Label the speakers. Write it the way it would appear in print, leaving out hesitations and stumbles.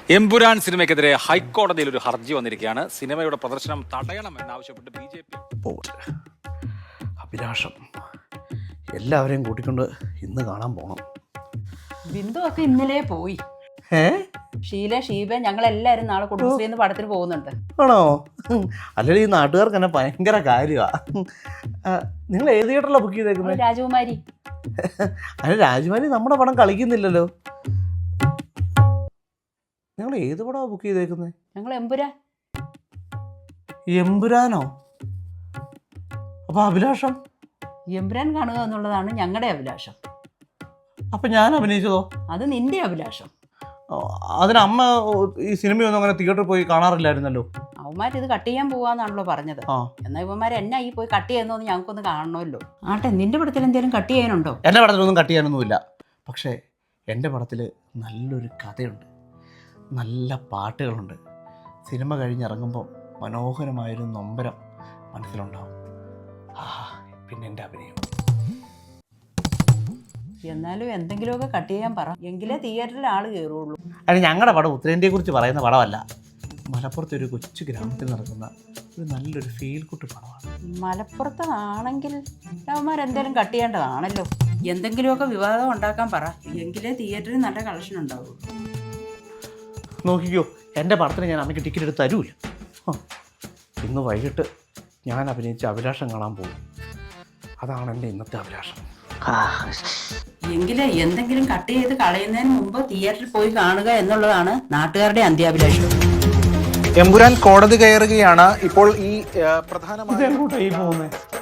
Speaker 1: എമ്പുരാൻ സിനിമയ്ക്കെതിരെ ഹൈക്കോടതിയിൽ ഒരു ഹർജി വന്നിരിക്കുകയാണ്. സിനിമയുടെ പ്രദർശനം തടയണമെന്നാവശ്യപ്പെട്ട് BJP.
Speaker 2: അഭിലാഷം എല്ലാവരെയും കൂട്ടിക്കൊണ്ട് ഇന്ന് കാണാൻ പോകണം.
Speaker 3: ബിന്ദു ഒക്കെ ഇന്നലെ പോയി. ഷീബ ഞങ്ങളെല്ലാരും നാളെ കുടുംബശ്രീന്ന് പടത്തിന് പോകുന്നുണ്ട്.
Speaker 2: ആണോ? അല്ലെങ്കിൽ ഈ നാട്ടുകാർക്ക് തന്നെ ഭയങ്കര കാര്യമാണ്. നിങ്ങൾ ഏത് തിയേറ്ററിലാണ് ബുക്ക് ചെയ്തേക്കുന്നത്?
Speaker 3: രാജകുമാരി.
Speaker 2: അതിന് രാജകുമാരി നമ്മുടെ പടം കളിക്കുന്നില്ലല്ലോ. നിങ്ങൾ ഏത് പടമാണ് ബുക്ക് ചെയ്തേക്കുന്നത്?
Speaker 3: ഞങ്ങൾ എമ്പുരാൻ.
Speaker 2: എമ്പുരാനോ? അപ്പൊ അഭിലാഷം?
Speaker 3: എമ്പുരാൻ കാണുക എന്നുള്ളതാണ് ഞങ്ങളുടെ അഭിലാഷം.
Speaker 2: അപ്പൊ ഞാൻ അഭിനയിച്ചതോ?
Speaker 3: അത് നിന്റെ അഭിലാഷം.
Speaker 2: അതിനമ്മ ഈ സിനിമയൊന്നും അങ്ങനെ തിയേറ്ററിൽ പോയി കാണാറില്ലായിരുന്നല്ലോ.
Speaker 3: അവന്മാർ ഇത് കട്ട് ചെയ്യാൻ പോവാന്നാണല്ലോ പറഞ്ഞത്. എന്നാൽ ഇവന്മാർ എന്നാ ഈ പോയി കട്ട് ചെയ്യുന്നോന്ന് ഞങ്ങൾക്കൊന്ന് കാണണമല്ലോ. ആട്ടെ, നിന്റെ പടത്തിൽ എന്തെങ്കിലും കട്ട് ചെയ്യാനുണ്ടോ?
Speaker 2: എൻ്റെ പടത്തിലൊന്നും കട്ട് ചെയ്യാനൊന്നുമില്ല. പക്ഷേ എൻ്റെ പടത്തിൽ നല്ലൊരു കഥയുണ്ട്, നല്ല പാട്ടുകളുണ്ട്. സിനിമ കഴിഞ്ഞിറങ്ങുമ്പോൾ മനോഹരമായൊരു നൊമ്പരം മനസ്സിലുണ്ടാവും. പിന്നെ എൻ്റെ അഭിനയം.
Speaker 3: എന്നാലും എന്തെങ്കിലുമൊക്കെ കട്ട് ചെയ്യാൻ പറ, എങ്കിലേ തിയേറ്ററിൽ ആള് കയറുള്ളൂ.
Speaker 2: അതിന് ഞങ്ങളുടെ പടം ഉത്തരേന്ത്യയെക്കുറിച്ച് പറയുന്ന പടമല്ല. മലപ്പുറത്തെ ഒരു കൊച്ചു ഗ്രാമത്തിൽ നടക്കുന്ന ഒരു നല്ലൊരു ഫീൽ ഗുഡ് പടമാണ്.
Speaker 3: മലപ്പുറത്താണെങ്കിൽ അവന്മാരെന്തെങ്കിലും കട്ട് ചെയ്യേണ്ടതാണല്ലോ. എന്തെങ്കിലുമൊക്കെ വിവാദം ഉണ്ടാക്കാൻ പറ, എങ്കിലേ തിയേറ്ററിൽ നല്ല കളക്ഷൻ ഉണ്ടാവുള്ളൂ.
Speaker 2: നോക്കിക്കോ, എൻ്റെ പടത്തിന് ഞാൻ അമ്മയ്ക്ക് ടിക്കറ്റ് എടുത്ത് തരൂല. ഇന്ന് വൈകിട്ട് ഞാൻ അഭിനയിച്ച അഭിലാഷം കാണാൻ പോകും. അതാണ് എൻ്റെ ഇന്നത്തെ അഭിലാഷം.
Speaker 3: എങ്കിലേ എന്തെങ്കിലും കട്ട് ചെയ്ത് കളയുന്നതിന് മുമ്പ് തിയേറ്ററിൽ പോയി കാണുക എന്നുള്ളതാണ് നാട്ടുകാരുടെ അന്ത്യാഭിലാഷം.
Speaker 4: എമ്പുരാൻ കോടതി കയറുകയാണ് ഇപ്പോൾ. ഈ പ്രധാനമായി
Speaker 2: ഇതെങ്ങോട്ടായി പോകുന്നത്?